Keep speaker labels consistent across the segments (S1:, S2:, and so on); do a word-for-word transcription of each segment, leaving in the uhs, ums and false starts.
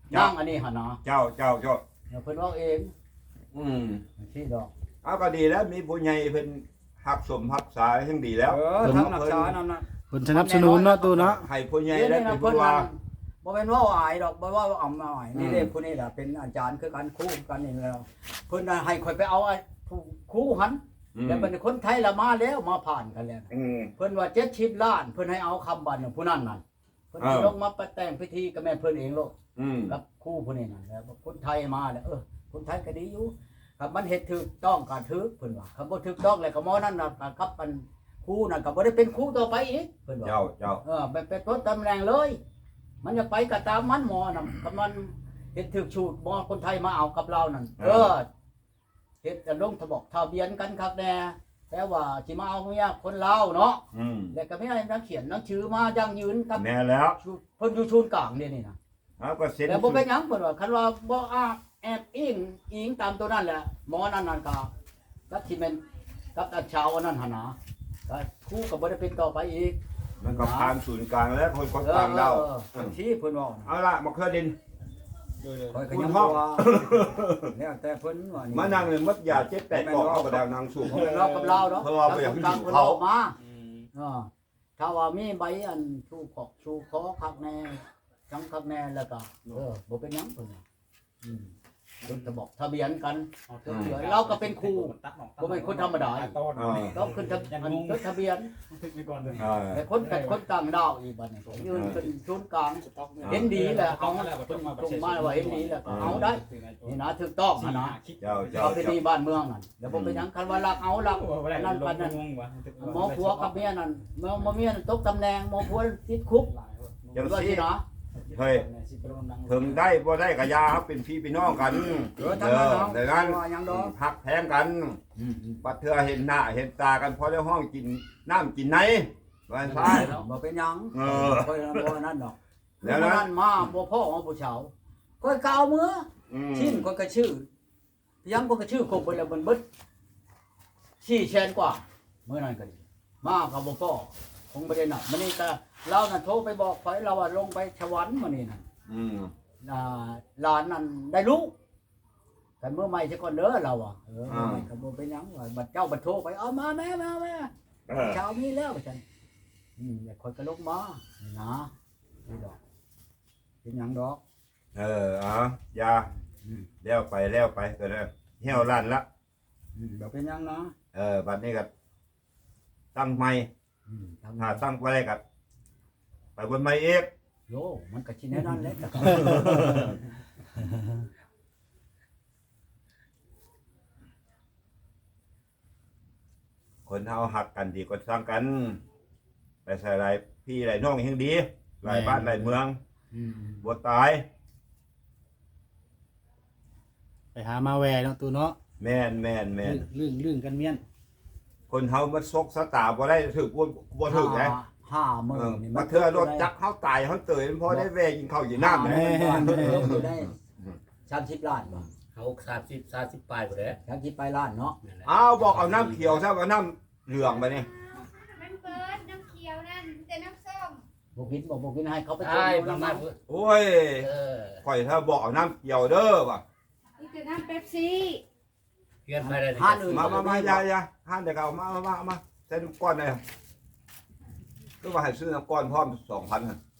S1: นั่งอันนี้หั่นนะ
S2: เจ้าเจ้าเจ้า
S1: เดี๋ยวเพิ่นเว้าเอง
S2: อืม
S1: ที่ดอก
S2: เอาก็ดีแล้วมีผู้ใหญ่เพิ่นหักสมหักษาทั้งดีแล้ว
S1: เออทางรักษานั่นน่ะ
S3: เพิ่นสนับสนุนเนาะตู้เนาะ
S2: ให้ผู้ใหญ่
S1: เดี๋ยว
S2: ได้
S1: นี้
S2: เป็
S1: นะ
S2: น
S1: เพิ่
S2: ผู้
S1: น
S2: ว่า
S1: ว่าบ่แม่นเว้าอายดอกบ่ว่าอำอายนี่
S2: อืม
S1: เด้ผู้นี้ล่ะเป็นอาจารย์คือกันครูกันนี่แล้วเพิ่นน่ะให้ข่อยไปเอาไอ้ผู้ครูหัน
S2: อืม
S1: แล้วเป็นคนไทยละมาแล้วมาผ่านกันแล้ว
S2: อืม
S1: เพิ่นว่าเจ็ดสิบล้านเพิ่นให้เอาคำบัตรของผู้นั้นนั่นเพิ่น
S2: อ้าว
S1: ลงมาประแต่งพิธีกับแม่เพิ่นเองโลก
S2: อืม
S1: กับครู่ผู้นี้นั่นแล้วคนไทยมาแล้วเออคนไทยก็ดีอยู่ครับมันเฮ็ดถูกต้องก็ถูกเพิ่นว่าคำบ่ถูกต้องแล้วก็หมอนั่นน่ะกับมันครูนั่นก็บ่ได้เป็นครูต่อไปอีกเพิ่นว่า
S2: เจ้าเจ้า
S1: เออไปเป็นต้นตำแหน่งเลย มันจะไปก็ตามมันหมอนั่นก็มันเฮ็ดถูกชูดหมอคนไทยมาเอากับเรานั่นเออเฮ็ดจะลงทะบอกทะเบียนกันครับแน่แต่ว่าสิมาเอาเมียคนลาวเนาะ
S2: อืม
S1: แล้วก็มีอะไรนักเขียนนักชื่อมายั่งยืนกับ
S2: แม่แล้ว
S1: ชูเพิ่นอยู่ชูนย์กลางนี่นี่นะ
S2: เอาก็เซ็น
S1: แล้วบ่เป็นหยังเพิ่นว่าคันว่าบ่อ้าแอบอิงอิงตามตัวนั้นแหละหมอนั่นนั่นก็กับที่แม่นกับตาชาวอันนั้นหั่นนะก็ครูก็บ่ได้เป็นต่อไปอีก
S2: มันก็ผ่านศูนย์กลางแล้วคนก็
S1: เออ
S2: ต่างดาว
S1: เออเออที่เพิ่นว่า
S2: เอาล่ะมาเคลื่อนดิน
S1: ข่อยก็ยังบ่ว่าแล้วแต่เพิ่นว่านี่
S2: มานั่งเลยมัดยาเจ็ดแปดกอกเอากระดาษนางสูบ
S1: เพิ่นเรากับเราเนาะ
S2: เพราะว่าบ่อยากให้
S1: ทาง
S2: อยู่
S1: เพิ่น
S2: เขา
S1: ออกมาเออถ้าว่ามีใบอันชูขอกชูคอคักแน่จังคักแน่แล้วก็เออบ่เป็นหยังเพิ่นว่าอืมเพิ่นจะบอกทะเบียนกันเดี๋ยวเราก็เป็นครูบ่เป็นคนธรรมดาอีก
S4: ต้น
S1: ต้องขึ้นทะอันจดทะเบียน
S4: ทึกไปก่อนเลย
S2: เออ
S1: แต่คนกัดคนต่างดาวอีกบัดนี้ยืนเป็นศูนย์กลางเห็นดีแหละเอาตรงมาว่าเห็นดีแหละก็เอาได้นี่นะถูกต้องนะนะ
S2: เจ้าเจ้า
S1: เอาไป
S2: เจ้า
S1: ที่บ้านเมืองนั่นเดี๋ยวผมไปยังคันว่ารักเอารัก
S4: นั่นปันนั่น
S1: หมอผัวกับเมียนั่นหมอหมอเมียนั่นตกตำแหน่งหมอผัวติดคุก
S2: จัง
S1: ว่า
S2: ซี่
S1: ที่นะ
S2: เฮ้ยถึงได้บ่ได้ก็อยาครับเป็นพี่เป็นน้องกัน
S1: เออทั้งนั้นเอา
S2: ดังนั้น
S1: ว่าหยังดอก
S2: พักแพงกันปัดเทือเห็นหน้าเห็นตากันพอได้ห้องกินน้ำกินไหนวันซ้าย
S1: บ่เป็นหยัง
S2: เออ
S1: ค่อยบ่นั่นดอก
S2: แล้
S1: แล้ว
S2: วนะ
S1: นั่นมาบ่พ่อของผู้ชาวค่อยกาวมือ
S2: อืม
S1: ชิ้นคนก็ชื่อยังคนก็ชื่อคงเป็นแล้วมันเบิดสี่แสนกว่าเมื่อนั้นก็ดีมากับบ่พ่อคงไม่ได้หนักมันนี่ก็เราน่ะโทรไปบอกไฟเราว่าลงไปสวรรค์มื้อนี้น่ะ
S2: อืม
S1: อ่าหลานนั่นได้ลูกกันเมื่อใหม่ซะก่อนเด้อเราอ่ะเออเมื่อใหม่ก็บ่เป็นหยังว่าบัดเจ้าบัดโทรไปเอามาแม่มาแม่
S2: เออ
S1: เช้ามีแล้วว่าซั่นอืมแล้วคนก็ลงมานี่นะนี่ดอกเป็นหยังดอก
S2: เออเอาอยา
S1: อืม
S2: แล้วไปแล้วไปก็ได้เหี่ยวลั่นละ
S1: อืมบ่เป็นหยังนะ
S2: เออบัดนี้ก็ตั้งใหม่
S1: อืมทำ
S2: ถ้าตั้งไปได้ก็ไปบนใหม่อีก
S1: โยมันก็ชิแน่นอนแหล้วแต่ก็
S2: คนเฮาหักกันดีกว่าสร้างกันไปใส่หลายพี่หลายน้องยังดีหลายบ้านหลายเมือง
S1: อืม
S2: บ่ตาย
S3: ไปหามาแวเนาะตู้เนาะ
S2: แม่นแม่นแม่น
S3: เรื่องเรื่องกันเมียน
S2: คนเฮามันซกสตาบ่ได้ถึกบ่บ่ถึกไง
S1: ห้าห้าหมื่
S2: เอน อ
S1: นี่
S2: มาเทื่อรถจักรเฮาตายเฮาเตยมันพอได้แวกินข้าวกินน้ำ
S1: แม่
S2: แม่
S1: อยู่ได้สามสิบล้านบ่
S5: เขาสามสิบสามสิบปลายหมดเลย
S1: สามสิบไปล้านเนาะ
S5: นั่นแหละ
S2: เอาบอกเอาน้ำเขียวซะเอาน้ำเหลืองไปนี่
S6: มันเปิดน้ำเขียวนั่นแต่น้ำส้ม
S1: บ่กินบ่บ่กินให้เขาไป
S5: ใช่
S1: ช
S5: ประ
S1: ม
S5: มาณ
S1: น้ำ
S2: โอ้ย
S5: เออ
S2: ข่อยถ้าบอกเอาน้ำเขียวเด้อว่ะ
S6: นี่คือน้ำเป๊ปซี่
S5: เพื่อนไปได้
S1: ห้าหนึ่ง
S2: มามามาอย่าอย่าห้านเด็กเอามามามามาใส่น้ำก้อนเลยก็ว่าให้ซื้อน้ำก้อนพร้อมสองพัน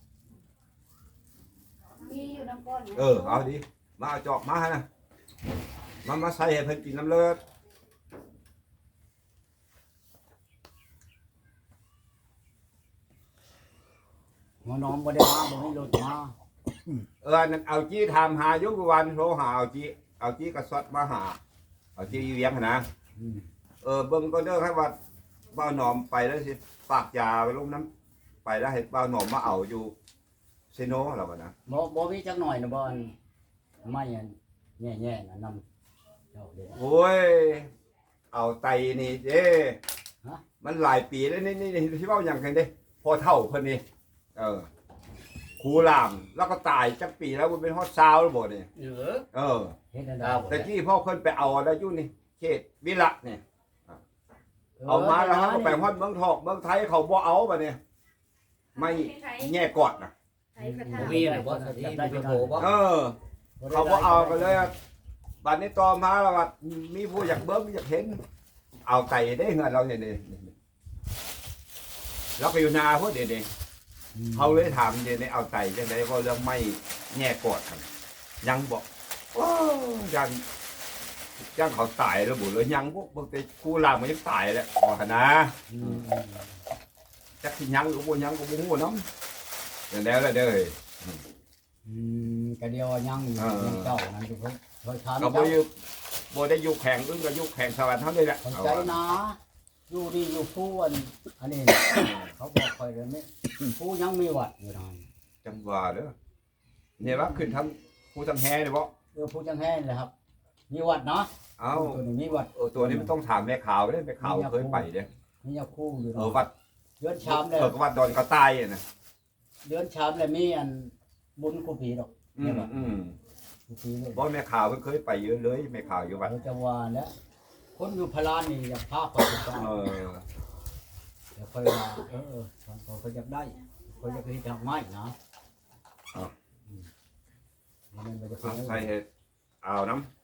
S6: มีอยู่น้ำก้น
S2: เออเอาดิมาเอาจอกมาให้นะมามาใส่ให้เพิ่นกินน้ำเลือด
S1: หัวน้องบ่ได้มาบ่ให้รถมา
S2: เออนั่นเอาจี้ถามหาอยุกวันโทรหาเอาจี้เอาจี้กระสดมาหาเอาจี้เลี้ยงหั่นนะ
S1: อืม
S2: เออเบิ่งก็เด้อให้ว่าบ้าวหนอมไปแล้วสิฝากยาไปลงน้ำไปแล้วให้บ้าวหนอมมาเอาอยู่เซโนเราก็นะ
S1: บ่บ่มีจักหน่อยนะบ่อันไม่อันแย่ๆน่ะนำเจ้าเด้อ
S2: โอ้ยเอาไตนี่เด้
S1: ฮะ
S2: มันหลายปีแล้วนี่นี่นี่ที่เว้าหยังกันเด้พอเท่าเพิ่นนี่เออครูลามแล้วก็ตายจักปีแล้วมันเป็นฮอดซาวแล้วบ่นี่
S5: เหลือ
S2: เออ
S1: เฮ็ดได้
S5: ครับ
S2: แต่กี้พ่อเพิ่นไปเอาแล้วอยู่นี่เขตวิระนี่เอามาแล้วเขาก็ไปฮอดเมืองทองเมืองไทยเขาบ่เอาบัดนี้ไม่แง่กอดนะ
S6: ใช้กระทะ
S5: บ่มีอะไรบ่สติบ่โทรบ่
S2: เออ เขาก็เอากันเลยอะบัดนี้ต่อมาแล้วว่ามีผู้อยากเบิ้งอยากเห็น เอาไก่ได้เงินเราเนี่ยนี่เราก็อยู่นาพวกเด็กๆเขาเลยถามเด็กๆเอาไก่จังได๋ว่าเรื่องไม่แง่กอดกันยังบอกโอ้ยังยังเขาตายแล้วบุเลยยังพวกบางทีกูลามมันยังตายแล้วบอกนะ
S1: อืม
S2: จักสิยังหรือบ่ยังก็บ่ฮู้นำอย่างแล้วแหละเด้อ
S1: อืมก็เดียวยังอยู่
S2: เออ
S1: ยังเจ้านั่นอยู่เพิ่นเพิ่นถาม
S2: ก็บ่
S1: เจ้า
S2: อยู่บ่ได้อยู่แข่งอึ้งก็อยู่แข่งสวรรค์เท่านี้แหละ
S1: เข้าใจนะอยู่ดีอยู่ผู้อันอันนี้ เขาบอกคอยเลยนี่ผู้ยังมีวัดอยู่นั่น
S2: จังหว่าเด้อเนี่ยว่าขึ้นทั้งผู้ทั้งแฮ่เลยบ่
S1: เออผู้จังแห้งเลยครับ มีวัดเนาะ
S2: เอ้า
S1: ตัวนี้มีวัด
S2: เออตัวนี้มันต้องถามแม่ข่าวเด้แม่ข่าวเคยไปเด้
S1: มียาคู่อยู่
S2: เออ
S1: เนาะ
S2: วัด
S1: เดือนชามเลย
S2: เออก็วัดดอนกระต่ายน่ะ
S1: เดือนชามเลยมีอันบุญกูผีดอก
S2: อืมอืม
S1: กูผีเลย
S2: บ่แม่ข่าวเพิ่นเคยไปเยอะเลยแม่ข่าวอยู่วัด
S1: เขาจะว่าแล้วคนอยู่พลานนี่อยากพาคนไป
S2: เออ
S1: เดี๋ยวค่อยว่าเออตอนเขาอยากได้เขาอยากให้ทำไม้นะอืมมันมันจะเป็
S2: เอา
S1: น
S2: ใส่เฮ็ดเอาน้ำ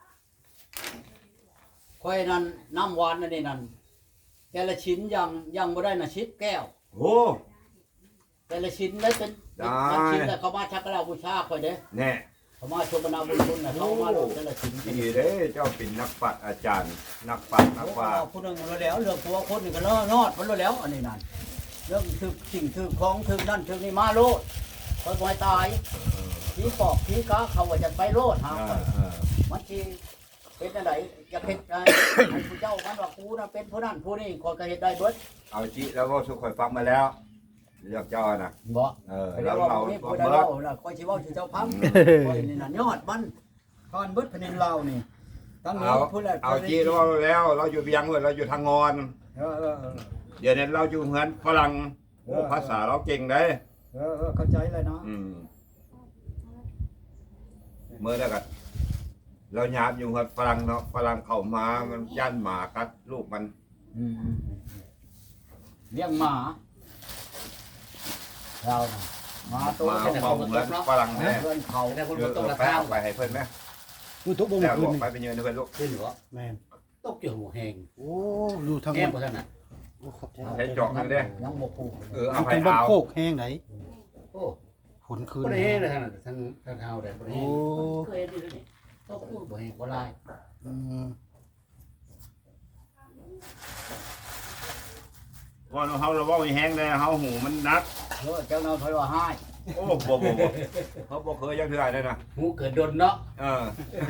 S1: ค่อยนั่นน้ำหวานนั่นนี่นั่นแต่ละชิ้นยังยังบ่ได้น่ะชิดแก้ว
S2: โอ้
S1: แต่ละชิ้นได้เป็น
S2: ได้
S1: เป็นชิ้นแต่เขามาชักกระลาบูชาค่อยเด้
S2: แน่
S1: เขามาชมนาบุญคุณน่ะเขามาลงแต่ละชิ้น
S2: ดีเด้เจ้าเป็นนักปัดอาจารย์ นักปัดนัก
S1: เขา
S2: วาด
S1: ผู้หนึงมาแล้วเรื่องตัวคนหนึงก็เลอะนอดมันแล้วอันนี้นั่นเรื่องถึกสิ่งถึกของถึกนั่นถึกนี่มาโลดค่อยบ่ให้ตายผีปอบผีกาเขาว่าจะไปโลดหา
S2: เอ
S1: ค่อย
S2: อเออ
S1: มันสิเป็นอันใดจะเฮ็ดได้ให้ผู้เจ้ามันว่ากูน่ะเป็นผู้นั้นผู้นี้ข้อยก็เฮ็ดได้เบิด
S2: เอาจิแล้วก็สุขคอยฟังมาแล้วเลือกเจ้าน่ะ
S1: บ่
S2: เออ
S1: แล้
S2: แล้ว ว
S1: ว่า
S2: เรา
S1: บ่มี
S2: ก็
S1: ผู้ใด
S2: เบิ
S1: เล่า
S2: ด
S1: ล่ะข้อยสิเว้าสิเจ้าพังข้อยนี่น่ะยอดมันก่อนเบิดแผ่นดินลาวนี่ตั้งนี้
S2: เอา
S1: ผู้แรก
S2: เอาจีเราแล้ว เราอยู่เบียงเว้ยเราอยู่ทางงอน
S1: เออเออเออ
S2: เดี๋ยวนี้เราอยู่เหมือนฝรั่งโอ้ภาษาเราเก่งได้
S1: เออเออเข้าใจเลยเนาะ
S2: อืมเมื่อแล้วก็เราหยาบอยู่เหมือนฝรั่งเนาะฝรั่งเข้ามามันย่านหมากัดลูกมัน
S1: อืมอืมอืมเลี้ยงหมาเราน่ะหมาตัว
S2: มา
S1: แค่ไหน
S2: เมาเหมือนฝรั่งแน่
S1: เพื่อนเขา
S5: แต่คน
S2: เอ
S5: บ่
S2: อ
S5: ตก
S2: เอ
S5: รา
S2: อไป
S5: คา
S2: เอาไปให้เพิ่นไหม
S3: กูทุกบ่
S2: แล้
S3: เมื่
S2: ว
S3: อคืน
S2: บอก
S3: นี่
S2: ไปเป็นเงินเพิ่นลูก
S5: ขึ้นบ่
S3: แม่น
S5: ตกอยู่หัวแหง
S3: โอ้อยู่ทาง
S5: แก้
S3: วั
S5: ม
S3: น
S5: บ่ทันน่ะ
S3: โอ้ขอบใจ
S2: ใช้จอกนั่นเด้
S1: ยังบ่ปลูก
S2: เออเอา
S3: มัน
S2: ไป
S3: เป็นบ้าน
S2: เอา
S3: โคกแห้งไหน
S5: โอ้
S3: ฝนคืน
S5: บ่ได้แหงเลยท่านน่ะทางทางเฮาได้บ่ได้แห
S3: โอ้
S5: งเคยดีนี่ตกพูดบ่แหงบ่ลาย
S3: อืม
S2: ว่าเฮาเราเว้าแห้งได้เฮาหูมันนัก
S1: เออเจ้าน้อยเพิ่นว่าให้
S2: โอ้บ่บ่บ่เขาบ่เคยยังเทื่อได้นะ
S5: หูเกิดดนเนาะ
S2: เออ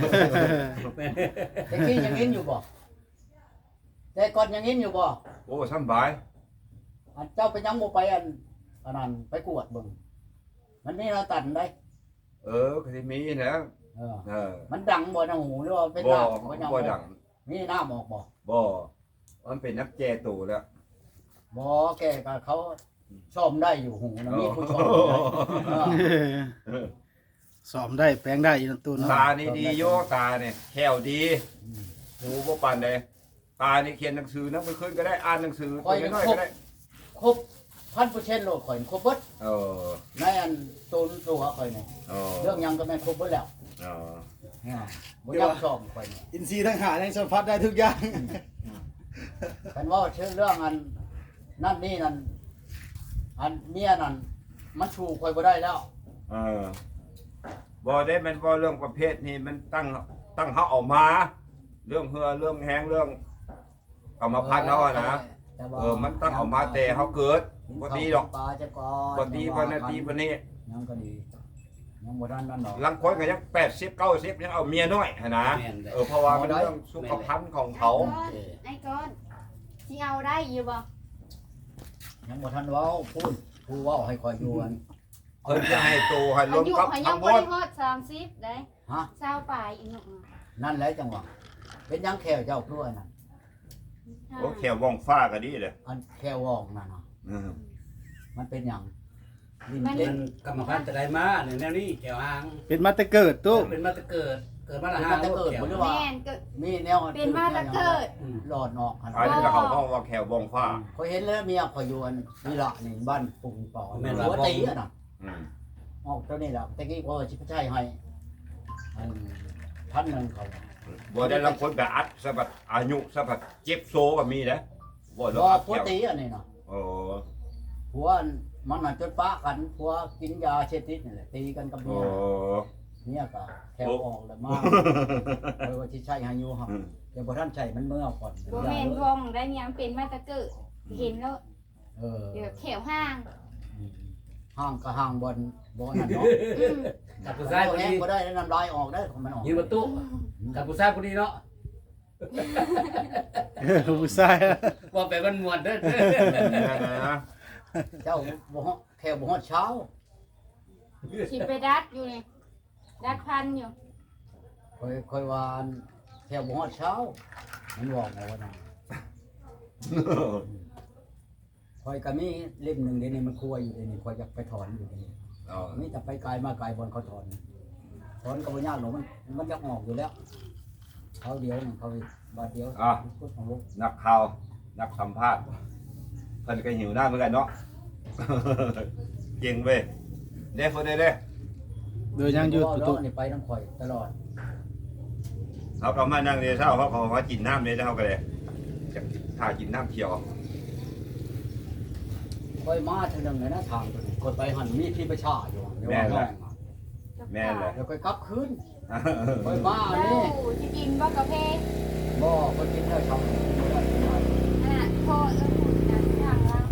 S1: แต่กี้ยังกินอยู่บ่แต่ก่อนยังกินอยู่บ่
S2: โอ้สำบาย
S1: อันเจ้าไปยังบ่ไปอันอันนั้นไปกวดเบิ่งมันมีเราตันได้
S2: เออก็สิมีนะ
S1: เออ
S2: เออ
S1: มันดังบ่น้ำหูหรือว่าเป็น
S2: บ่
S1: น้ำบ่ยัง
S2: บ่ดัง
S1: มีน้ำออกบ่
S2: บ่มันเป็นนักแจตู่แล้ว
S1: บ่แกก็เขาชอมได้อยู่หูนะมีผู้ชอมได้เออ
S3: สอมได้แปลงได้อีกตัวเนาะ
S2: ตานี่ดีโยตาเนี่ยแขวดีหูบ่ปานใดตานี่เขียนหนังสือนักไปขึ้นก็ได้อ่านหนังสือตัวน้อยๆก็ได้
S1: ครบพันเปอร์เซ็นต์โลดข่อยครบเบิด
S2: เออ
S1: ในอันตูนตัวข่อยนี่
S2: เออ
S1: เรื่องหยังก็แม่นครบเบิดแล้ว
S2: เออ
S1: อ่าบ่อยังชอมข่อยนี่
S3: อินทรีย์ทั้งหาทั้งสัมผัสได้ทุกอย่าง
S1: กันว่าเชื่อเรื่องอันนั่นนี่นั่นอันเมียนั่นมันชูข่อยบ่ได้แล้ว
S2: เออบ่ได้แมันบ่เรื่องประเภทนี้มันตั้งตั้งเฮาออกมา เรื่องเหือเรื่องแห้งเรื่องกรรมพันธุ์เฮาอะนะ
S1: แต่ว่า
S2: เออ มันตั้งออกมาแต่เฮาเกิดบ่ดีดอก
S1: ปลาจะก่อน
S2: บ่ดีบ่นาทีบ่นี้
S1: ยังก็ดียังบ่ทันนั่นดอก
S2: ลังคนก็ยังแปดสิบ เก้าสิบยังเอาเมียน้อยหั่นนะ
S5: แม่นได้
S2: เออเพราะว่ามันเรื่องสุขภาพของเขา
S6: ไอ้ก้อนที่เอาได้อยู่บ่
S1: ยังบ่ทันเว้าพูดผู้เว้าให้ข่อยอยู่อัน
S2: เพิ่นจะให้โตให้ร
S6: อาว
S2: ม
S6: ยุ
S2: กับ
S6: เขายั
S2: ทั้
S6: ง
S2: งหม
S6: บ่ได้
S2: ด
S6: ฮอดสามสิบได้
S1: ฮะ
S6: เช้าปลายอีกหนึ่ง
S1: นั่นแหละจังหวะเป็นหยังแควเจ้าคืออันนั้น
S2: โอ้แขวว่องฟ้าก็ดีเลย
S1: อันแคววองนั่นน่ะ
S2: อืม
S1: มันเป็นหยังลิ้น
S5: เป็
S1: เล่
S5: น
S1: น
S5: กรรมพันธุ์จะได้มาเนี่ยแนวนี้แก้วหาง
S3: เป็นมาแต่เกิดตู้
S5: เป็นมาแต่เกิด เกิดมาละ
S1: เป็น
S5: หา
S1: มาแต่เกิด
S5: แก้ว
S1: บ่หรือว่า
S6: แม่นก็
S1: มีแนว
S6: เป็นมาแตะเกิด
S5: อืม
S1: หลอดออกหั่น
S2: อันนี้ก็เขาห้องว่าแขวว่องฟ้า
S1: ข่อยเห็นแล้วเมียข่อยอยู่อันนี่ล่ะนี่บ้านปุงปอหัวตีอะน่ะ
S2: อืม
S1: ออกตัวนี้แหละตะกี้ก็ชิพชัยให้อันพันหนึ่งเขา
S2: บ่ได้ลางคนก็อัดสะบัดอายุสะบัดเจ็บโซก็มีนะบ่
S1: ร
S2: ได้
S1: อ
S2: อัด
S1: ผัว
S2: เกี่ยว
S1: ตีอันนี้เนาะ
S2: โอ้
S1: ผัวมันน่ะจนป้ากันผัวกินยาเชติดนี่แหละตีกันกับ
S2: โอ้
S1: เมียเมียก็แถวออกแล้วมาเพราะว่าชิชัยให้อยู่ครับเดี๋ยวพอท่านใช้มันเมื่อก่อน
S6: บ่แม่นวงได้ยังเป็นมาแตะเกิดเห็นแล้ว
S1: เออ
S6: เดี๋ยวแถวห้าง
S1: ห้างก็ห้างบนบนนั่นเนาะ
S6: อืม
S5: กับผู้ชายคน
S1: แห้ง
S5: นี้
S1: ก็ได้น้ำลายออกได้ของมันออก
S5: ยืนประตูกับผู้ชายคนนี้เนาะ
S3: เออผู้ชาย
S5: ว่าไปมันมวนเด้อ
S2: นะ
S1: เจ้าบ่ฮอดแค่บ่ฮอดเช้า
S6: สิไปดัดอยู่นี่ดัดพันอยู่
S1: คอยคอยว่าแค่บ่ฮอดเช้ามันบอกเอาว่านั่นคอยก็มีเล่มหนึ่งเดี๋ยวนี้มันครัวอยู่เดี๋ยวนี้คอยจะไปถอนอยู่เดี๋ยวนี้
S2: อ๋อ
S1: นี่จะไปไกลมาไกลบนเขาถอนถอนก็บ่ยากหรอกมันมันจะออกอยู่แล้วเขาเดียวนี่เขาบาทเดียวพูดของลูก
S2: นักข่าวนักสัมภาษณ์เพิ่นก็หิวหน้าเหมือนกันเนาะ เก่งเว้ยเด้เพิ่นได้เด้
S3: โดยยังอยู่
S1: แล้
S3: ตุ
S1: วนี่ไปน้ำข่อยตลอด
S2: เขาก็มานั่งเรียนเช้าเขาก็มากินน้ำเลยเช้าก็เลยจะถ่ากินน้ำเขียว
S1: ค่อยมาเท่านึงเลยนะทางตัวนี้กดไปหันมีที่ประชาอยู่เดี๋ยวว่าน้องอะ
S2: แม่นเลย
S1: เดี๋ยวค่อยกลับคืนค่อยมาอัน
S6: เจ้า
S1: นี้
S6: สิกินบ่กาแฟ
S1: บ่คนกินได้ช่องบ่ได้กินได้
S6: อ่ะโทษเออพูดนะทางเรา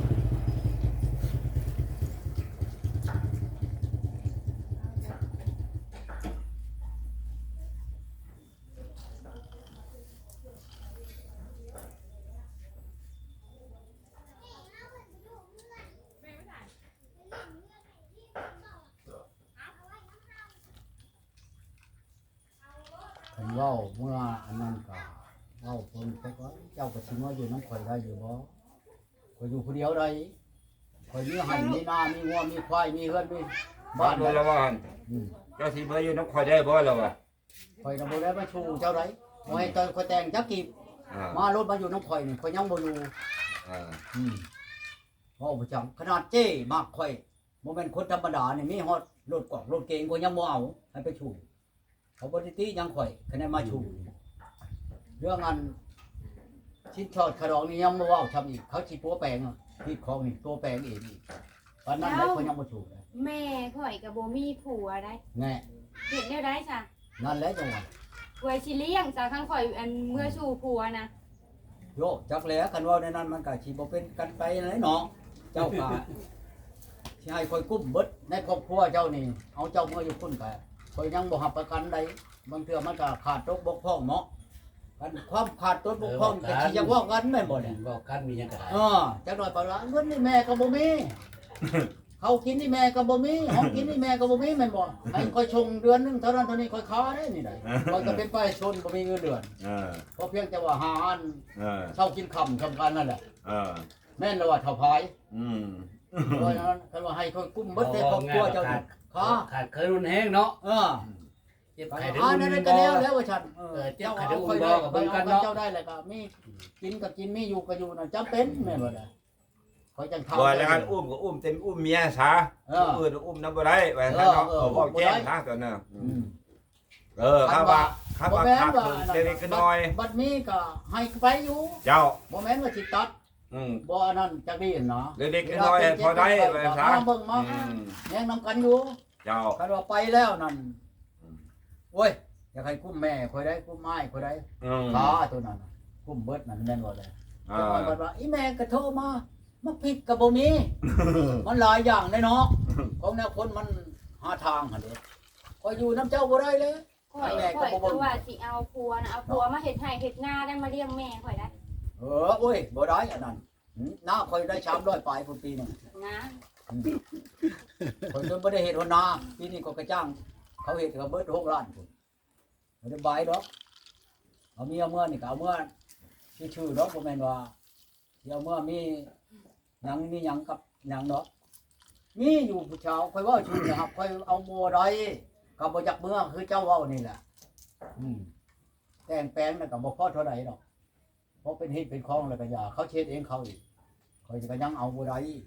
S1: ผมเว่าเมื่ออันนั้นก็เว่าคนไปก็เจ้าก็สิมาอยู่น้ำข่อยได้อยู่บ่ข่อยอยู่ผู้เดียวได้ข่อยมีไห่มีนามีงัวมีควายมีเฮือนมี
S2: บ้า
S1: บ้าน น
S2: โดนแล้วว่า
S1: อืม
S2: เจ้าสิมาอยู่น้ำคอยได้บ่แล้ววะ
S1: ข่อยน่ะบ่ได้มาชูเจ้าไดบ่ให้ตอนข่อยแต่งจักกีบ
S2: อ่าม
S1: ารถมาอยู่น้ำข่อยนี่ข่อยยังบ่อยู่
S2: อ่า
S1: อืมเว้าประจำขนาดเจ้มากข่อยบ่แม่นคนธรรมดานี่มีฮอดรถกอกรถเก๋งก็ยังบ่เอาให้ไปชูเขาบ่ได้ติยังข่อยคะแนนมาชูเรื่องอันชิ้นชอดขรองนี่ยังบ่เว้าทำอีกเขาสิตัวแปลงอะที่ของนี่ตัวแปลงเองอีกตอนนั้นได้เขายังบ่ชูเลย
S6: แม่ข่อยกับบ่มีผัวได้
S1: แน่
S6: เฮ็ดแนวได้จ้ะ
S1: นั่นแหละจังหวะ
S6: ไว้สิเลี้ยงจ้ะคันข่อยอันเมื่อสู่ผัวนะ
S1: โยจักแหล้วคันว่าในนั้นมันก็สิบ่เป็นกันไปไหนเนาะเจ้าก็สิให้คอยกุ้มเบิดในครอบครัวเจ้านี่เอาเจ้าเมื่ออยู่พุ่นก็คอยยังบ่รับประกันใดบางเทื่อมันก็ขาดตกบกพร่องเนาะกันความขาดตกบกพร่องก็สิจะว่ากันแม่นบ่เนี่ย
S5: บอกกันมีหยังก็ได้
S1: เออจักหน่อยปะละเงินนี่แม่ก็บ่มี เขากินนี่แม่ก็บ่มีห้องกินนี่แม่ก็บ่มีแม่นบ่ให้คอยชงเดือนหนึงเท่านั้นเท่านี้คอยค้าได้นี่ได้คอยก็เป็นประชาชนบ่มีเงินเดือน
S2: เออ
S1: เพราะเพียงแต่ว่าหาอัน
S2: เออ
S1: เช่ากินค่ำทำกันนั่นแหละ
S2: เออ
S1: แม่นแล้วว่าเท่าพาย
S2: อืม
S1: เพราะฉะนั้นคันว่าให้คอยกุ้มเบิดในครอบครัวเจ้านี่ค้า
S5: ขาดเคยรุนแห้งเนาะ
S1: เออ
S5: เจ็บ
S1: อ่า
S5: ไข้ได้
S1: นั่
S5: รุ
S1: น
S5: น
S1: ก็
S5: บ่
S1: แล้วแล้วว่าฉัน
S5: เออเจ็บ
S1: เจ้า
S5: ไข้
S1: เอา
S5: ได้
S1: ค่
S5: รุ
S1: อย
S5: น
S1: ได้
S5: บ่กับ
S1: ไป
S5: เบิ่ง
S1: เอา
S5: กัน
S1: กับ
S5: เนาะ
S1: เจ้าได้แล้วก็มีกินก็กินมีอยู่ก็อยู่น่ะจำเป็นแม่นบ่ล่ะคอยจังทำ
S2: บ่แล้วกันอุ้มก็อุ้มเต็มอุ้มเมียซะ
S1: เออ
S2: ผู้อื่นอุ้มน้ำบ่ได้ไว้ซะเนาะ
S1: เออเออ
S2: เอาบอกแจ้ง
S1: บ่ได้
S2: ซะตัวนั้น
S1: อืม
S2: เออข้าว่าข้าว่าขาดทุนเล็กๆน้อย
S1: บัดนี้ก็ให้ไปอยู่
S2: เจ้า
S1: บ่แม่นว่าสิตัด
S2: อืม
S1: บ่อันนั้นจักดีเนาะ
S2: เล็กๆน้อยๆพอได้ไว้ซะ
S1: มาเบิ่งมา
S2: อืม
S1: แย่งนํกันอยู่
S2: เจ้า
S1: คันว่าไปแล้วนั่น
S2: อืม
S1: โอ้ยอยากให้กุ้มแม่คอยได้กุ้มไม้คอยได้
S2: อืม
S1: ขาตัวนั้นน่ะกุ้มเบิดนั่นแม่นบ่เลย
S2: อ่า
S1: จังหวะบัดว่าอีแม่ก็โทรมามาผิดก็บ่มีมันหลายอย่างเลยเนาะของแนวคนมันหาทางหั่นเด้คอยอยู่น้ำเจ้าบ่ได้เลย
S6: ข่อยข่อยคือว่าสิเอาผัวนะเอาผัวมาเฮ็ดให้เฮ็ดหน้าได้มาเลี้ยงแม่ข่อยได้
S1: เออโอ้ยบ่ได้อันนั้นหืมน้าคอยได้สามร้อยปลายพุ่นปีหนึง
S6: นะ
S1: คนจนไม่ได้เห็ดหัวนาปีนี้ก็กระจ้าง เขาเห็ดเขาเบิดหกล้านคนไม่ได้บายดอกเอาเมียเมื่อนี่ก็เอาเมื่อชื่อชื่อดอกบ่แม่นว่าเดี๋ยวเมื่อมีหยังมีหยังกับหยังดอกมีอยู่ผู้ชาวค่อยเว่าชื่อนะครับค่อยเอาโมได้กับบ่จักเมื่อคือเจ้าเว้านี่แหละอืมแต่งแปลงน่ะก็บ่พอเท่าใดดอกเพราะเป็นเฮ็ดเป็นของแล้วก็อย่าเขาเช็ดเองเขาอีกค่อยจะก็ยังเอาบ่ได้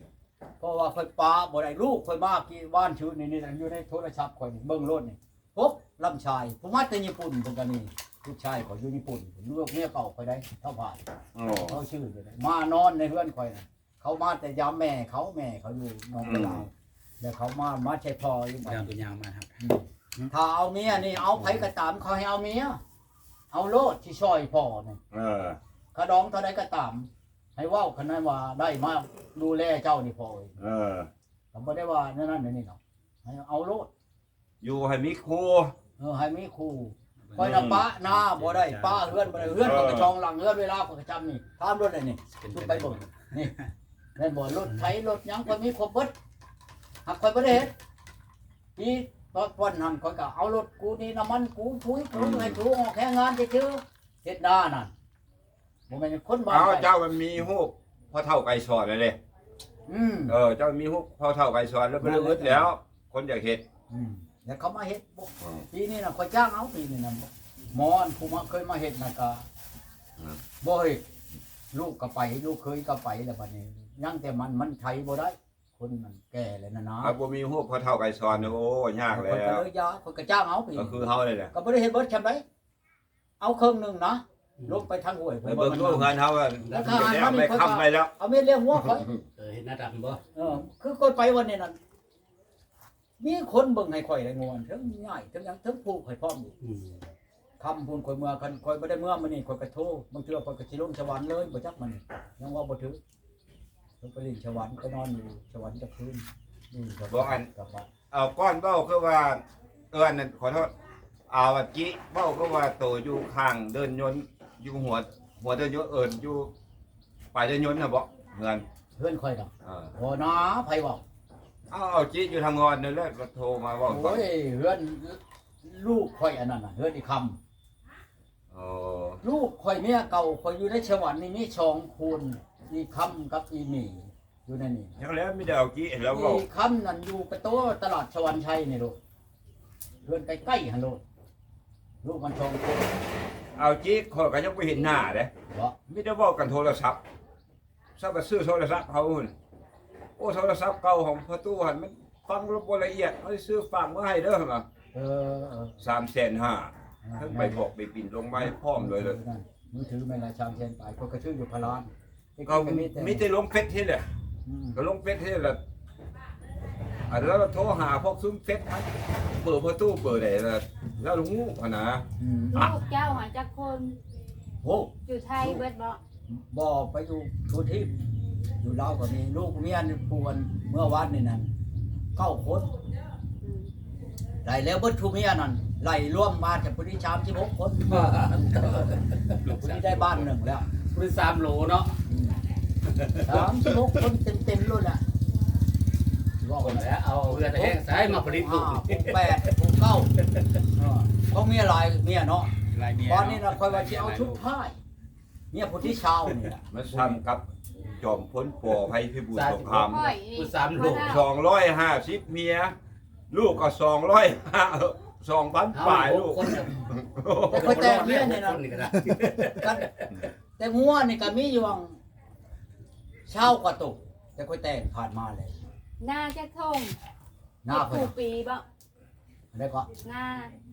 S1: เพราะว่าค่อยป้าบ่ได้ลูกค่อยมากี่บ้านชื่อนี่นี่อยู่ในโทรศัพท์ค่อยนี่เบิ่งรถนี่พบลำชายผู้มาแต่ญี่ปุ่นเพิ่นก็นี่ผู้ชายเขาอยู่ญี่ปุ่นลูกเมียเก่าค่อยได้เท่าผ่าน
S2: โอ้
S1: เขาชื่อเลยมานอนในเรือนค่อยน่ะเขามาแต่ยามแม่เขาแม่เขาอยู่หนองกระลาวแล้วเขามามาใช้พออยู่บ้าน
S3: ยาวตัวยาวมาครับ
S1: ถ้าเอาเมียนี่เอาไผก็ตามเขาให้เอาเมียเอาโลดที่ช่อยพ่อนี่
S2: เออ
S1: กระดองเท่าใดก็ตาม ให้เว้าคันนั้นว่าได้มาดูแลเจ้านี่พ่อเอ้ย
S2: เออ
S1: ก็บ่ได้ว่านั่นนั่นนี่เนาะให้เอาโลด
S2: อยู่ให้มีครู
S1: เออให้มีครูคอยน่ะปะหน้าบ่ได้ป้าเฮือนบ่ได้เฮือนก็กระชองหลังเฮือนเวลาก็กระจำนี่ตามรถเลยนี่ขึ้นไปเบิ่งนี่แม่นบ่รถไถรถหยังก็มีครบเบิดหักข่อยบ่ได้เฮ็ดอีตอนวันนั้นข่อยก็เอารถกูนี่น้ำมันกูถุยกูให้ถูออกแค่งานซื่อๆเฮ็ดหน้านั่นบ่แม่นคนบ้า
S2: เอาเจ้ามันมีฮูกพอเท่าไก่สอนเลยเด้
S1: อืม
S2: เออเจ้ามีฮูกพอเท่าไก่สอนแล้วก็เลิกแล้ว คนอยากเฮ็ด
S1: อืมแล้วเขามาเฮ็ดบ่
S2: อืม
S1: ปีนี้น่ะข่อยจ้างเอาปีนี้น่ะหมอนผู้มาเคยมาเฮ็ดน่ะก็
S2: อืม
S1: บ่เฮ็ดลูกก็ไปลูกเคยก็ไปแล้วบัดนี้ยังแต่มันมันใช้บ่ได้ คนมันแก่แล้วนะนะ
S2: ถ้าบ่มีฮูกพอเท่าไก่สอนเนี่ยโอ้ยากแล้
S1: คนก็
S2: ว
S1: เลยยาคนก็จ้างเอาปี
S2: ก็คือเฮาเลยแหละ
S1: ก็บ่ได้เฮ็ดเบิดชำไดเอาครึ่งหนึงนะลงไปทางห้วย
S2: ไปเบิ่งดูงานเฮาว่าได้ไปค้ำไปแล้ว
S1: เอาเม็ดเลี้ยงหัวข่อย
S5: เออเห็นหน้าดำบ่
S1: เออคือคนไปวันนี้นั่นมีคนเบิ่งให้ข่อยได้งวนทั้งง่ายทั้งหยังทั้งผูกให้พร้อมอยู่
S5: อืม
S1: คำพูนข่อยเมื่อคันข่อยบ่ได้เมื่อมื้อนี้ข่อยก็โทรบางเทื่อข่อยก็สิลงสวรรค์เลยบ่จักมันยังว่าบ่ถึงเพิ่นไปเลินสวรรค์ก็นอนอยู่สวรรค์จะคืนนี่ก็บ่อันกลับบ้าน
S2: เอาก้อนเบ้าคือว่าเอิ้นนั่นขอโทษเอาว่าจิเบ้าก็ว่าโตอยู่ข้างเดินยนต์อยู่หัวหัวเดินยนต์เอิ้นอยู่ปลายเดินยนต์น่ะบ่เงิน
S1: เพื่อนข่อยดอก
S2: เออ
S1: โอ้นะไผเว้า
S2: เอาเอาจิอยู่ทางงอนนั่นแหละก็โทรมาเว้าก่อ
S1: โอ้
S2: น
S1: ยเฮือนลูกข่อยอันนั้นน่ะเฮือนอีคำ
S2: โอ้
S1: ลูกข่อยเมียเก่าข่อยอยู่ในสวรรค์นี่มีสองคนอีคำกับอีหมีอยู่ในนี่
S2: จังแล้วมีแต่เอาจิแล้วเว้า
S1: อีคำนั่นอยู่ประตูตลาดสวรรค์ชัยนี่ลูกเฮือนใกล้ๆหั่นลูกลูกมันสองคน
S2: เอาจิขอยก็ยังบ่เห็นหน้าเด้
S1: บ่
S2: มีแต่เว้ากันโทรศัพท์ซับไปซื้อโทรศัพท์เขาหุ่นโอ้โทรศัพท์เก่าของพ่อตู้หั่นมันฟังบ่ละเอียดเอาไปซื้อฝากมาให้เด้อหั่นน่ะ
S1: เออเออ
S2: สามแสนห้า ทั้งไปบอกไปปิ่นลงไม้พร้อมเลยเลย
S1: มือถือแม่นละชามเชนไปข่อยก็ชื่ออยู่พะลาน
S2: ก็มีแต่ลงเฟซที่แหละ
S1: อืม
S2: ก็ลงเฟซที่แหละอันแล้วเราโทรหาพวกซุ้มเฟซมันเปิดประตูเปิดได้แล้วแล้วลุงงูอ่ะนะ
S1: อืม
S6: ลูกเจ้าหาจักคน
S1: โอ้
S6: อยู่ไทยเบิดบ่
S1: บ่ไปอยู่ทุที่อยู่ลาวก็มีลูกเมียนี่ปวนเมื่อวานนี่นั่นเก้าคน
S6: อืม
S1: ไล่แล้วเบิดทุเมียนั่นไล่รวมมาจากผู้ที่สามสิบหกคนผู้ที่ได้บ้านหนึ่งแล้ว
S5: คือสามโหลเนาะ
S1: สามสิบหกคนเต็มๆเลยแหละว่า
S5: ค
S1: กัน น
S5: แล้วเอาเรือตะแห้งสายมาผลิต
S1: ผู
S5: ลูก
S1: แปดผูเก้าเออเขาเมียหลายเมียเนาะ
S3: ลายเมีย
S1: ตอนนี้เราคอยว่าจะเอาชุดผ้าเมียผู้ที่ชาวนี่แหละ
S2: มันทำกับจอมพ้นปอภัยพิบูลสงคราม
S6: ค่อยนี่
S5: คือสามโหล
S2: สองร้อยห้าสิบเมีย ลูกก็สองร้อยห้าสองพัน
S5: เอา
S2: ป่าย
S5: ห
S2: ลู
S5: ก
S2: ก
S5: คนเนี่ย
S1: แต่คอยแต่งเมียนี่นะ
S5: คนนี่ก็ได้
S1: กันแต่งัวนี่ก็มีอยู่วังเช่ากว่าตุกแต่คอยแต่งผ่านมาเลย
S6: หน้าจักทง
S1: หน้า
S6: เฮ็ด
S1: เพิ่
S6: ผู
S1: น
S6: ปีบ่
S1: ได้ก็
S6: หน้าก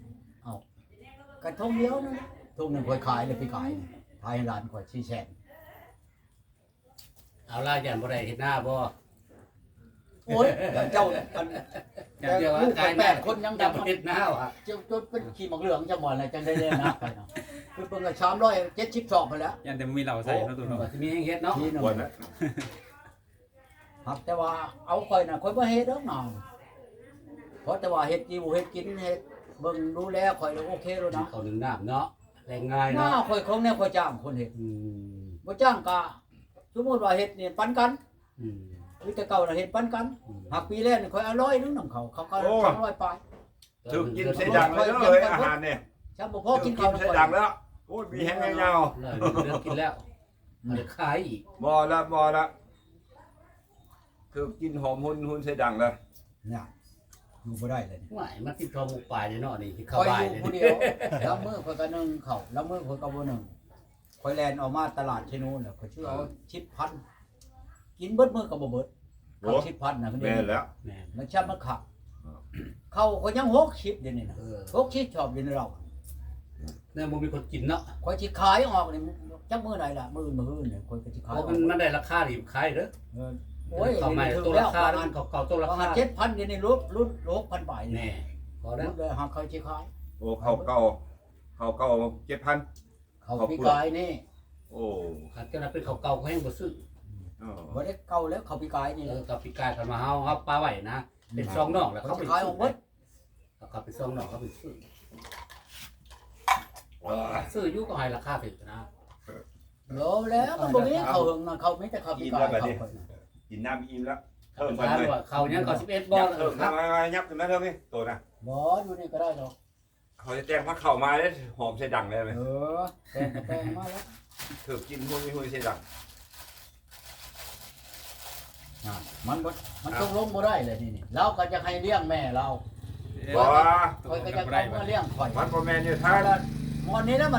S1: ระทงเดียวนะทุ่งหนึ่งคอยขายเลยไปขายขายให้ร้านคอยชี้แฉก
S5: เอาล่ะยันบ่ได้เห็นหน้าบ่
S1: โอ้ยเจ้าอัน
S5: อย่าเดียวว่า
S1: ลูก
S5: กาย
S1: แปดคนยัง
S5: จับ
S1: จำ
S5: เห็นหน้าอ่ะ
S1: เจ้าจนเป็นขี่หมอกเหลืองจะหมดอะไรจังได้เลยนะไปเนาะคือเพิ่งก็สามร้อยเจ็ดสิบสองไปแล้ว
S3: ยันแต่บ่มีเหล่าใส่เนาะตัวเนาะ
S5: ว่าสิมีให้เฮ็ดเนาะ
S1: ทีหนึง
S2: วันนั้น
S1: ครับแต่ว่าเอาคอยน่ะคอยบ่เฮ็ดดอกหนาวเพราะแต่ว่าเฮ็ดกินเฮ็ดกินเฮ็ดเบิ่งดูแลคอยแล้วโอเคแล้วนะ
S5: เขาหนึ่งน้ำเนาะแรงง่าย
S1: หน้า
S5: เนาะ
S1: คอยของแนวคอยจ้างคนเฮ็ด
S5: อืม
S1: บ่จ้างก็สมมุติว่าเฮ็ดนี่ปันกัน
S5: อืม
S1: คือแต่เก่าน่ะเฮ็ดปันกัน
S5: อืม
S1: หากปีแรกนี่คอยเอาร้อยนึงนำเขาเขาก็สองร้อยไป
S2: ถึงกินเสดังเลยเอ้ยอาหารเนี่ย
S1: ถ้าบ่พอ
S2: ถึ
S1: กิ
S2: ง
S1: น
S2: กิ
S1: ข้าวน
S2: เสดังแล้วโอ้ยมีแห้งเงา
S5: แล้วเรื่องกินแล้วมันจะขายอีก
S2: บ่ละบ่ละคือกินหอมหุ่นหุ่นเสดังแล้ว
S1: เนี่ยอยู่บ่ได้เลยนี่
S5: หวายมันกินข้าวหมูปลายเนาะนี่ที่
S1: ค
S5: เข้า
S1: อย
S5: บ่า
S1: อย ยู่
S5: เลย
S1: ผู้เดียวแล้วมื้อคอยก็นึ่งข้าวแล้วมื้อคอยก็บ่นึ่งคอยแล่นออกมาตลาดที่นู้นน่ะคอยชื่อเอาชิปพันกินเบิดมื้อก็บ่เบิดเขาชิดพันนะมัน
S2: แม่นแล้ว
S5: แม่น
S1: มันชับมันขับเขาก็ยังหกชิดเดี๋ยวนี้นะ
S5: เออ
S1: หกชิดชอบเดี๋ยวนี้เรา
S5: เนี่ยบ่มีคนกินเนาะ
S1: คอยชิขายออกนี่จักมือไหนล่ะมือมือเนี่ยคอยก็ชิ
S5: เพ
S1: ขายอ
S5: ราะ
S1: อก
S5: มันมันได้ราคาดีขายเด้อ
S1: เออโอ้ย
S5: เขาไม่
S1: ถึง
S5: ตัว
S1: แล้ว
S5: ราคา
S1: ประ
S5: แล้ว
S1: มาณ
S5: เขาเก่าตัว
S1: ป
S5: รา
S1: ระมา
S5: คา
S1: ณเจ็ดพันเดี๋ยวนี้รุ่นรุ่นหกพันบาท
S5: แน่พอแล้
S1: รุ่
S5: วน
S1: เลยหาเขาชิขาย
S2: โอ้เขาเก่าเขาเก่าเจ็ดพัน
S1: เขาปีกายนี่
S2: โอ้
S5: อาจจะเป็นเขาเก่าเขาแห้งบ่ซื้อ
S2: อ๋อ
S1: บ่ได้เก่าแล้วเขาปีกายนี่
S5: เออกับปีกายกันมาเฮาครับปลาไหวนะเป็นซองนอกแล้ว
S1: เขา
S5: เขา
S1: ชิ
S5: ไป
S1: ขายออกหมด
S5: เขาเป็นซองนอกเขาไปซื้อซื้ออยู่ก็ให้ราคาถึงนะ
S1: โลแล้วมันบ่มีเขาหึงนะเขาไม่แต่เขาปีกายเขาคนน่ะ
S2: กินน้ำอิ่มแล้ว
S5: เพิ่มกันเลยเขายังเขาสิบเอ็ดบอ
S2: ยั
S5: ล
S2: บเพิ่ม
S5: ครับ
S2: มามายับขึ้นมาเท่านี้ตัวนะ
S1: บ่อยู่นี่ก็ได้ดอก
S2: เขาจะแจ้งว่าเข้ามาแล้วหอมใส่ดังเลยไหม
S1: เออแต่งก็แต่งมาแล้ว
S2: ถือกินหุ้ยหุ้ยใส่ดัง
S1: อ่ะมันบ่มันตกลงบ่ได้เลยนี่นี่เราก็จะให้เลี้ยงแม่เรา
S2: บอกว่า
S1: คอยก็จะเอามาเลี้ยงข่อย
S2: มันโมแมนอยู่ท่า
S1: ถ้าละหมอนี้แล้วมัน